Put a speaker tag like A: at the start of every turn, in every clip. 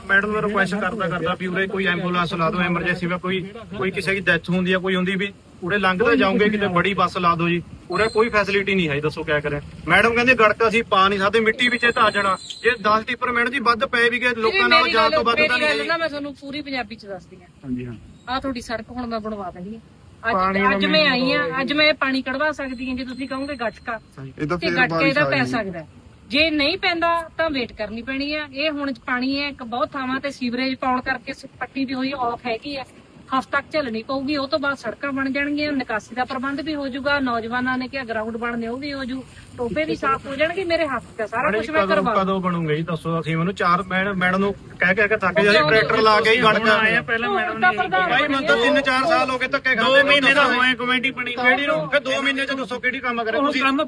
A: Madam ਨੂੰ request ਕਰਦਾ ਵੀ ਉਰੇ ਕੋਈ ਐਂਬੂਲੈਂਸ ਲਾ ਦਿਓ ਐਮਰਜੈਂਸੀ ਵਿੱਚ ਕੋਈ ਕਿਸੇ ਦੀ ਡੈਥ ਹੁੰਦੀ ਹੈ ਕੋਈ ਹੁੰਦੀ ਵੀ ਉਰੇ ਲੰਘਦੇ ਜਾਓਗੇ ਕਿਤੇ ਬੜੀ ਬੱਸ ਲਾ ਦਿਓ ਜੀ ਉਰੇ ਕੋਈ ਫੈਸਿਲਿਟੀ ਨਹੀਂ ਹੈ ਦੱਸੋ ਕਿਆ ਕਰੇ ਮੈਡਮ ਕਹਿੰਦੇ ਗੜਕਾ ਅਸੀਂ ਪਾ ਨਹੀਂ ਸਕਦੇ ਮਿੱਟੀ ਵਿੱਚ ਧਾ ਜਾਣਾ ਜੇ 10 ਟਿੱਪਰ ਮੈਡਮ ਜੀ ਵੱਧ ਪਏ ਵੀ ਗਏ ਲੋਕਾਂ ਨਾਲ ਜਾਣ ਤੋਂ ਵੱਧ ਤਾਂ ਨਹੀਂ
B: ਮੈਂ ਤੁਹਾਨੂੰ ਪੂਰੀ ਪੰਜਾਬੀ ਚ ਦੱਸਦੀ ਹਾਂ
A: ਹਾਂਜੀ ਹਾਂ
B: ਆਹ ਤੁਹਾਡੀ ਸੜਕ ਹੁਣ ਮੈਂ ਬਣਵਾ ਦਿੰਦੀ ਹਾਂ ਅੱਜ ਮੈਂ ਆਈ ਹਾਂ ਅੱਜ ਮੈਂ ਪਾਣੀ ਕਢਵਾ ਸਕਦੀ ਹਾਂ ਜੇ ਤੁਸੀਂ ਕਹੋਗੇ ਗਟਕਾ ਤੇ ਗਟਕੇ ਦਾ ਪੈ ਸਕਦਾ ਜੇ ਨਹੀਂ ਪੈਂਦਾ ਤਾਂ ਵੇਟ ਕਰਨੀ ਪੈਣੀ ਆ ਇਹ ਹੁਣ ਪਾਣੀ ਹੈ ਬਹੁਤ ਥਾਵਾਂ ਤੇ ਸੀਵਰੇਜ ਪਾਉਣ ਕਰਕੇ ਪੱਟੀ ਵੀ ਹੋਈ ਆਫ ਹੈਗੀ ਆ ਹਫ਼ਤਾ ਤੱਕ ਝੱਲਣੀ ਪਊਗੀ ਉਹ ਤੋਂ ਬਾਅਦ ਸੜਕਾਂ ਬਣ ਜਾਣਗੀਆਂ ਨਿਕਾਸੀ ਦਾ ਪ੍ਰਬੰਧ ਵੀ ਹੋ ਜਾਊਗਾ ਨੌਜਵਾਨਾਂ ਨੇ ਕਿਹਾ ਗਰਾਊਂਡ ਬਣਨੇ ਉਹ ਵੀ ਹੋ ਜੂ ਟੋਪੇ ਵੀ ਸਾਫ਼ ਹੋ ਜਾਣਗੇ ਮੇਰੇ ਹੱਥ ਤੇ ਸਾਰਾ ਕੁਝ ਮੈਂ ਕਰਵਾ
A: ਕਦੋਂ ਬਣੂਗਾ ਜੀ ਦੱਸੋ ਅਸੀਂ ਮੈਨੂੰ ਚਾਰ ਮੈਡਮ ਨੂੰ ਕਹਿ ਕੇ ਥੱਕ ਜਾਂਦੇ ਟਰੈਕਟਰ ਲਾ ਕੇ ਹੀ ਗੜਕਾ ਆਏ ਪਹਿਲਾਂ ਮੈਡਮ ਨੇ ਭਾਈ ਮੈਨੂੰ ਤਾਂ 3-4 ਸਾਲ ਹੋ ਗਏ ਧੱਕੇ ਖਾਂਦੇ 2 ਮਹੀਨੇ ਦਾ ਹੋਏ ਕਮੇਟੀ ਬਣੀ ਕਿਹੜੀ ਨੂੰ ਫਿਰ 2 ਮਹੀਨੇ ਚ ਦੱਸੋ ਕਿਹੜੀ ਕੰਮ ਕਰੇ ਤੁਸੀਂ ਕੰਮ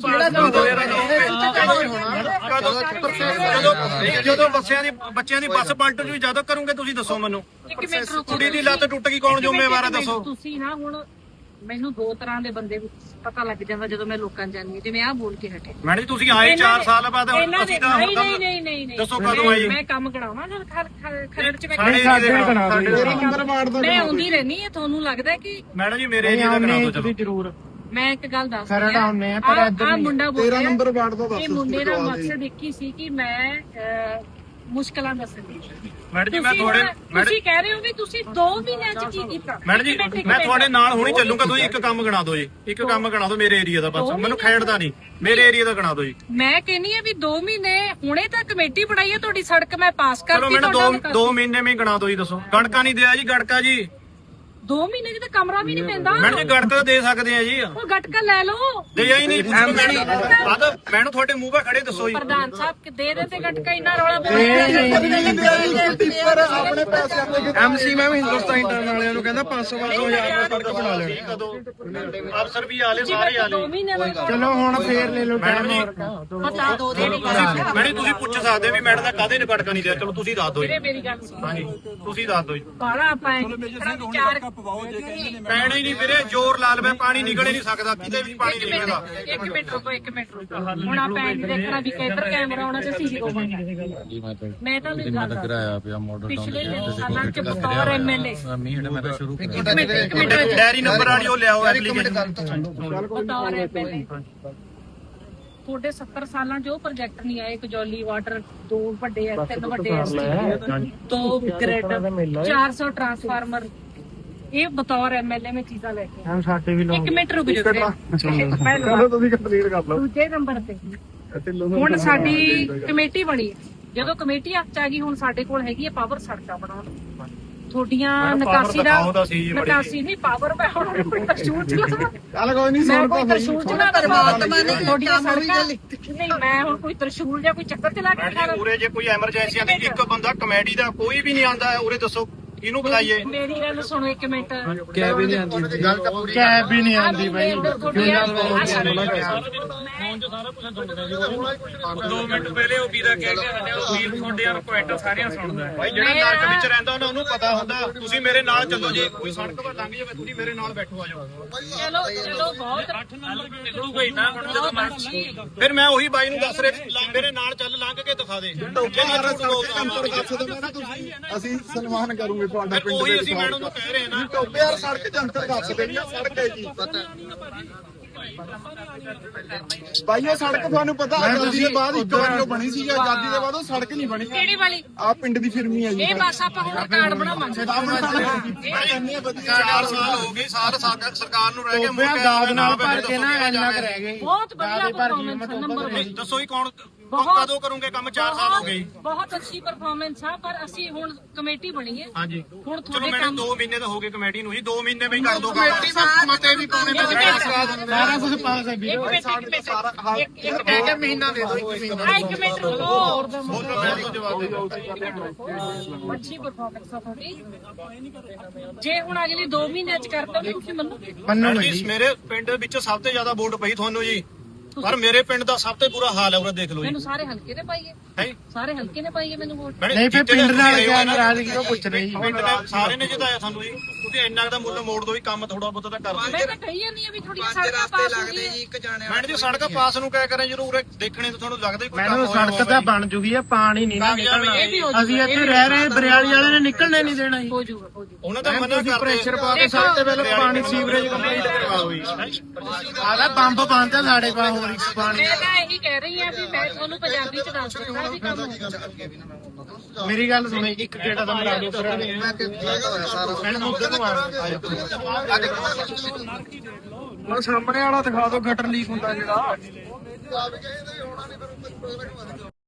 A: ਜਦੋਂ ਬੱਚਿਆਂ ਦੀ ਬੱਸ ਪਲਟ ਜੂ ਜਦੋਂ ਕਰੋਗੇ ਤੁਸੀਂ ਦੱਸੋ ਮੈਨੂੰ ਕੁੜੀ ਦੀ ਲੱਤ ਟੁੱਟ ਗਈ ਕੌਣ ਜ਼ਿੰਮੇਵਾਰ ਹੈ ਦੱਸੋ
B: ਤੁਸੀਂ ਨਾ ਹੁਣ ਮੈਨੂੰ ਦੋ ਤਰ੍ਹਾਂ ਦੇ ਬੰਦੇ ਪਤਾ ਲੱਗ ਜਾਂਦਾ ਜਦੋਂ ਮੈਂ ਲੋਕਾਂ ਜਾਂਦੀ ਜਿਵੇਂ ਆਹ ਬੋਲ ਕੇ ਹਟੇ
A: ਮੈਡਮ ਜੀ ਤੁਸੀਂ ਆਏ 4 ਸਾਲ ਬਾਅਦ ਅਸੀਂ ਤਾਂ
B: ਨਹੀਂ
A: ਦੱਸੋ ਕਦੋਂ ਆਏ
B: ਮੈਂ ਕੰਮ ਕਰਾਵਾਂ ਜਦ ਖਰੜ ਚ ਮੈਂ ਆਉਂਦੀ ਰਹਿਣੀ ਹੈ ਤੁਹਾਨੂੰ ਲੱਗਦਾ ਕਿ
A: ਮੈਡਮ ਜੀ ਮੇਰੇ ਏਰੀਆ ਦਾ ਕਰਾ ਦਿਓ ਚਲੋ ਜ਼ਰੂਰ
B: ਮੈਂ ਇੱਕ ਗੱਲ ਦੱਸ ਆ ਮੁੰਡਾ ਬੋਲ ਰਿਹਾ 13 ਨੰਬਰ ਵਾਰਡ ਦਾ ਦੱਸ ਇਹ ਮੁੰਡੇ ਦਾ ਮਕਸਦ ਇੱਕ ਹੀ ਸੀ ਕਿ ਮੈਂ ਮੁਸ਼ਕਲਾਂ ਦੱਸਣੀ
A: ਮੈਡਮ ਜੀ ਮੈਂ
B: ਤੁਸੀਂ ਕਹਿ ਰਹੇ ਹੋ ਵੀ ਤੁਸੀਂ 2 ਮਹੀਨਿਆਂ ਚ ਕੀ ਕੀਤਾ
A: ਮੈਡਮ ਜੀ ਮੈਂ ਤੁਹਾਡੇ ਨਾਲ ਹੁਣੀ ਚੱਲੂਗਾ ਤੁਸੀਂ ਇੱਕ ਕੰਮ ਗਣਾ ਦਿਓ ਜੀ ਇੱਕ ਕੰਮ ਗਣਾ ਦਿਓ ਮੇਰੇ ਏਰੀਆ ਦਾ ਬਸ ਮੈਨੂੰ ਖੇਡਦਾ ਨਹੀਂ ਮੇਰੇ ਏਰੀਆ ਦਾ ਗਣਾ ਦਿਓ ਜੀ
B: ਮੈਂ ਕਹਿੰਨੀ ਆ ਵੀ 2 ਮਹੀਨੇ ਹੁਣੇ ਤਾਂ ਕਮੇਟੀ ਬਣਾਈ ਹੈ ਤੁਹਾਡੀ ਸੜਕ ਮੈਂ ਪਾਸ ਕਰਤੀ
A: ਚਲੋ ਮੈਨੂੰ 2 ਮਹੀਨੇ ਵਿੱਚ ਗਣਾ ਦਿਓ ਜੀ ਦੱਸੋ ਗੜਕਾ ਨਹੀਂ ਦਿਆ ਜੀ ਗੜਕਾ ਜੀ
B: 2 ਮਹੀਨੇ ਚ ਤਾਂ ਕਮਰਾ ਵੀ ਨਹੀਂ ਪੈਂਦਾ
A: ਮੈਡਮ ਜੀ ਗੜਕਾ ਦੇ ਸਕਦੇ ਆ ਜੀ
B: ਉਹ ਗਟਕਾ ਲੈ ਲਓ
A: ਦੇ ਹੀ ਨਹੀਂ ਮੈਨੂੰ ਤੁਹਾਡੇ ਮੂੰਹ 'ਤੇ ਖੜੇ ਦੱਸੋ ਜੀ
B: ਪ੍ਰਧਾਨ ਸਾਹਿਬ ਦੇ ਤੇ ਗਟਕਾ ਇੰਨਾ ਰੌਲਾ
C: ਆਪਣੇ ਪੈਸੇ ਐਮਸੀ ਮੈਂ ਵੀ ਹਿੰਦੁਸਤਾਨ ਇੰਟਰਨ ਵਾਲਿਆਂ ਨੂੰ ਕਹਿੰਦਾ 500 2000 ਦਾ ਸੜਕ ਬਣਾ ਲੈਣੀ
A: ਅਫਸਰ ਵੀ ਆਲੇ ਸਾਰੇ ਆਲੇ
C: ਚਲੋ ਹੁਣ ਫੇਰ ਲੈ ਲਓ
A: ਮੈਡਮ ਜੀ
B: ਬਤਾ ਦੋ
A: ਮੈਡਮ ਤੁਸੀਂ ਪੁੱਛ ਸਕਦੇ ਵੀ ਮੈਡਮ ਦਾ ਕਾਹਦੇ ਨੇ ਗੜਕਾ ਨਹੀਂ ਦਿਆ ਚਲੋ ਤੁਸੀਂ ਦੱਸ ਦਿਓ ਜੀ
B: ਮੇਰੀ ਗੱਲ ਸੁਣੋ
A: ਹਾਂਜੀ ਤੁਸੀਂ ਦੱਸ ਦਿਓ ਜੀ
B: ਬਾਲਾ ਆਪਾਂ ਵਿਚਾਰ
A: ਪੈਣਾ ਹੀ ਨਹੀਂ ਵੀਰੇ ਜ਼ੋਰ ਲਾ ਲਵੇ ਪਾਣੀ ਨਿਕਲ ਹੀ ਨਹੀਂ ਸਕਦਾ ਕਿਤੇ ਵੀ ਪਾਣੀ ਨਹੀਂ ਨਿਕਲਦਾ
B: ਇੱਕ ਮਿੰਟ ਰੁਕੋ ਹੁਣ ਆਪਾਂ ਇਹ ਦੇਖਣਾ ਵੀ ਕਿੱਧਰ ਕੈਮਰਾ ਆਉਣਾ ਤੇ ਸੀਸੀ ਮੈਂ ਤਾਂ ਨਹੀਂ ਗੱਲ ਕਰਾਇਆ ਪਿਆ ਮਾਡਲ ਪਿਛਲੇ ਸਾਲਾਂ ਚ ਬਤੌਰ ਐਮਐਲਏ
C: ਮੈਂ ਤਾਂ ਸ਼ੁਰੂ
B: ਇੱਕ ਮਿੰਟ
A: ਡੈਰੀ ਨੰਬਰ ਵਾਲੀ ਉਹ ਲਿਆਓ ਐਪਲੀਕੇਸ਼ਨ
B: ਬਤੌਰ ਐਮਐਲਏ ਤੁਹਾਡੇ 70 ਸਾਲਾਂ ਚ ਉਹ ਪ੍ਰੋਜੈਕਟ ਨਹੀਂ ਆਏ ਕਜੌਲੀ ਵਾਟਰ 2 ਵੱਡੇ 3 ਵੱਡੇ 2 ਗ੍ਰਿਡ 400 ਟਰਾਂਸਫਾਰਮਰ ਇਹ ਬਤੌਰ ਐਮਐਲਏ ਮੈਂ ਚੀਜ਼ਾਂ ਲੈ ਕੇ
C: ਹਮ ਸਾਡੇ ਵੀ
B: ਇੱਕ ਮਿੰਟ ਰੁਕ ਜਾਓ
C: ਚਲੋ ਤੁਸੀਂ ਕੰਪਲੀਟ ਕਰ ਲਓ
B: ਦੂਜੇ ਨੰਬਰ ਤੇ ਹੁਣ ਸਾਡੀ ਕਮੇਟੀ ਬਣੀ ਹੈ ਜਦੋਂ ਕਮੇਟੀ ਹੱਥ ਚ ਆ ਗਈ ਹੁਣ ਸਾਡੇ ਕੋਲ ਹੈਗੀ ਹੈ ਪਾਵਰ ਸੜਕਾਂ ਬਣਾਉਣ ਤੁਹਾਡੀਆਂ ਨਿਕਾਸੀ ਨਹੀਂ ਪਾਵਰ ਮੈਂ ਹੁਣ ਕੋਈ ਤਰਸ਼ੂਲ ਚਲਾ
C: ਚੱਲ ਕੋਈ ਨਹੀਂ
B: ਮੈਂ ਕੋਈ ਤਰਸ਼ੂਲ ਚਲਾ ਪਰਮਾਤਮਾ ਨੇ ਤੁਹਾਡੀਆਂ ਸੜਕਾਂ ਨਹੀਂ ਮੈਂ ਹੁਣ ਕੋਈ ਤਰਸ਼ੂਲ ਜਾਂ ਕੋਈ ਚੱਕਰ ਚਲਾ ਕੇ
A: ਉਰੇ ਜੇ ਕੋਈ ਐਮਰਜੈਂਸੀ ਆਂਦੀ ਇੱਕ ਬੰਦਾ ਕਮੇਡੀ ਦਾ ਕੋਈ ਵੀ ਨਹੀਂ ਆਂਦਾ ਉਰੇ ਦੱਸੋ ਕਿਹਨੂੰ ਬੁਲਾਈਏ
B: ਮੇਰੀ ਗੱਲ ਸੁਣੋ ਇੱਕ ਮਿੰਟ
C: ਕੈਬ ਹੀ ਨਹੀਂ ਆਉਂਦੀ ਗੱਲ ਤਾਂ ਪੂਰੀ ਕੈਬ ਹੀ ਨਹੀਂ ਆਉਂਦੀ ਬਾਈ
A: ਫੋਨ 'ਚ ਸਾਰਾ ਕੁਝ ਸੁਣਦਾ ਜੀ 2 ਮਿੰਟ ਪਹਿਲੇ ਉਹ ਵੀਰਾ ਕਹਿ ਕੇ ਹਟਿਆ ਉਹ ਵੀਰ ਤੁਹਾਡੇ ਆ ਕੁਐਂਟਲ ਸਾਰਿਆਂ ਸੁਣਦਾ ਭਾਈ ਜਿਹੜਾ ਨਰਕ ਵਿੱਚ ਰਹਿੰਦਾ ਉਹਨੂੰ ਪਤਾ ਹੁੰਦਾ ਤੁਸੀਂ ਮੇਰੇ ਨਾਲ ਚੱਲੋ ਜੀ ਕੋਈ ਸੜਕ 'ਤੇ ਲੰਘ ਜਾਵੇ ਤੁਸੀਂ ਮੇਰੇ ਨਾਲ ਬੈਠੋ ਆ ਜਾਓ
B: ਚਲੋ ਬਹੁਤ
A: 8 ਨੰਬਰ ਨਿਕਲੂਗਾ ਹੀ ਨਾ ਹੁਣ ਜਦੋਂ ਮੈਂ ਫਿਰ ਮੈਂ ਉਹੀ ਬਾਈ ਨੂੰ ਦੱਸ ਰਿਹਾ ਮੇਰੇ ਨਾਲ ਚੱਲ ਲੰਘ ਕੇ ਦਿਖਾ ਦੇ
C: ਅਸੀਂ ਸਨਮਾਨ ਕਰੂਗੇ ਤੁਹਾਡਾ ਪਿੰਡ
A: ਉਹੀ ਅਸੀਂ ਮੈਡਮ ਨੂੰ ਕਹਿ ਰਹੇ ਨਾ
C: ਟੋਬੇ ਯਾਰ ਸੜਕ ਜੰਤਰ ਦੱਸ ਦੇਣੀ ਸੜਕ ਹੈ ਜੀ ਭਾਈ ਉਹ ਸੜਕ ਤੁਹਾਨੂੰ ਪਤਾ ਆਜ਼ਾਦੀ ਦੇ ਬਾਅਦ ਇੱਕ ਵਾਰ ਉਹ ਬਣੀ ਸੀ ਆਜ਼ਾਦੀ ਦੇ ਬਾਅਦ ਉਹ ਸੜਕ ਨਹੀਂ ਬਣੀ
B: ਕਿਹੜੀ ਵਾਲੀ
C: ਆ ਪਿੰਡ ਦੀ ਫਿਰਮੀ ਹੈ ਜੀ
B: ਇਹ ਬਸ ਆਪਾਂ ਹੁਣ ਕਾਰਡ ਬਣਾਵਾਂਗੇ
A: 4 ਸਾਲ ਹੋ ਗਏ ਸਰਕਾਰ ਨੂੰ ਰਹਿ ਗਏ
C: ਦਾਦ ਨਾਲ ਭਰ ਕੇ ਨਾ ਇੰਨਾ ਕੁ ਰਹਿ ਗਏ
B: ਬਹੁਤ ਵਧੀਆ ਪਰਫਾਰਮੈਂਸ ਨੰਬਰ
A: ਦੱਸੋ ਹੀ ਕੌਣ ਕਦੋਂ ਕਰੋਗੇ ਕੰਮ 4 ਸਾਲ ਹੋ ਗਏ
B: ਬਹੁਤ ਅੱਛੀ ਪਰਫਾਰਮੈਂਸ ਆ ਪਰ ਅਸੀਂ ਹੁਣ ਕਮੇਟੀ ਬਣੀ ਹੈ
A: ਹਾਂਜੀ
B: ਹੁਣ
A: ਚਲੋ
B: ਤੁਹਾਡੇ
A: ਮੈਡਮ 2 ਮਹੀਨੇ ਤਾਂ ਹੋ ਗਏ ਕਮੇਟੀ ਨੂੰ ਜੀ 2 ਮਹੀਨੇ ਵਿੱਚ ਕਰ ਦੋ ਕੰਮ
C: ਮਤੇ ਵੀ ਪਾਉਣੇ ਸਾਰਾ ਕੁਝ ਪਾਸ ਹੈ ਵੀ
B: ਇੱਕ
C: ਮਹੀਨਾ ਦੇ ਦੋ
B: ਇੱਕ ਮਿੰਟ ਰੁਕੋ ਅੱਛੀ ਪਰਫਾਰਮੈਂਸ ਆ ਤੁਹਾਡੀ ਜੇ ਹੁਣ ਅਗਲੀ 2 ਮਹੀਨਿਆਂ ਚ ਕਰਤਾ ਤੁਸੀਂ ਮੰਨੋਗੇ
A: ਮੇਰੇ ਪਿੰਡ ਵਿੱਚ ਸਭ ਤੋਂ ਜ਼ਿਆਦਾ ਵੋਟ ਪਈ ਤੁਹਾਨੂੰ ਜੀ ਪਰ ਮੇਰੇ ਪਿੰਡ ਦਾ ਸਭ ਤੋਂ ਬੁਰਾ ਹਾਲ ਹੈ ਉਹ ਦੇਖ ਲਓ ਜੀ
B: ਮੈਨੂੰ ਸਾਰੇ ਹਲਕੇ ਨੇ ਪਾਈਏ ਸਾਰੇ ਹਲਕੇ ਨੇ ਪਾਈਏ ਮੈਨੂੰ ਵੋਟ
C: ਨਹੀਂ ਫਿਰ ਪਿੰਡ ਨਾਲ ਕਿਆ ਨਾਰਾਜ਼ਗੀ ਉਹ ਪੁੱਛ ਰਹੀ
A: ਪਿੰਡ ਨੇ ਸਾਰੇ ਨੇ ਜਿਤਾਇਆ ਤੁਹਾਨੂੰ ਜੀ ਤੁਸੀਂ ਇੰਨਾ ਦਾ ਮੁੱਲ ਮੋੜ ਦੋ ਵੀ ਕੰਮ ਥੋੜਾ ਬਹੁਤਾ ਤਾਂ ਕਰ ਦਿਓ।
B: ਮੈਂ ਤਾਂ ਕਹੀ ਜਾਂਦੀ ਆ ਵੀ ਥੋੜੀਆਂ ਸੜਕਾਂ ਪਾਸ ਹੋ ਗਈਆਂ
A: ਮੈਡਮ ਜੀ ਸੜਕ ਪਾਸ ਨੂੰ ਕਿਆ ਕਰਾਂ ਜਦੋਂ ਉਰੇ ਦੇਖਣੇ ਤੋਂ ਤੁਹਾਨੂੰ ਲੱਗਦਾ ਹੀ ਕੋਈ
C: ਮੈਨੂੰ ਸੜਕ ਤਾਂ ਬਣ ਜੂਗੀ ਆ, ਪਾਣੀ ਨਹੀਂ ਨਾ ਨਿਕਲਣਾ।
B: ਇਹ ਵੀ ਹੋ ਜੂਗਾ,
C: ਅਸੀਂ ਇੱਥੇ ਰਹਿ ਰਹੇ ਬਰਿਆਲੀ ਵਾਲੇ ਨੇ ਨਿਕਲਣੇ ਨਹੀਂ ਦੇਣਾ ਜੀ।
B: ਹੋ ਜਾਊਗਾ ਹੋ ਜਾਊਗਾ।
A: ਉਹਨਾਂ ਦਾ ਮਨਾ ਕਰਦੇ
C: ਪ੍ਰੈਸ਼ਰ ਪਾ ਕੇ ਸਭ ਤੋਂ ਪਹਿਲਾਂ ਪਾਣੀ ਸੀਵਰੇਜ ਕੰਪਲੀਟ ਕਰਵਾਓ ਜੀ। ਆਦਾ ਪੰਪ ਬੰਦ ਆ ਸਾਡੇ ਪਾ ਹੋਰ ਇੱਕ ਪਾਣੀ।
B: ਮੈਂ ਤਾਂ ਇਹੀ ਕਹਿ ਰਹੀ ਆ ਵੀ ਮੈਂ ਤੁਹਾਨੂੰ ਪੰਜਾਬੀ ਚ ਦੱਸ ਦਿੰਦਾ ਵੀ ਕੰਮ ਹੋਊਗਾ।
C: ਮੇਰੀ ਗੱਲ ਸੁਣੋ, ਇੱਕ ਗੇੜਾ ਤਾਂ ਮਰਾ ਦਿਓ ਫਿਰ। ਮੈਂ ਮੁੱਦੇ ਤੋਂ ਆ ਸਾਹਮਣੇ ਵਾਲਾ ਦਿਖਾ ਦਿਓ, ਗਟਰ ਲੀਕ ਹੁੰਦਾ ਜਿਹੜਾ।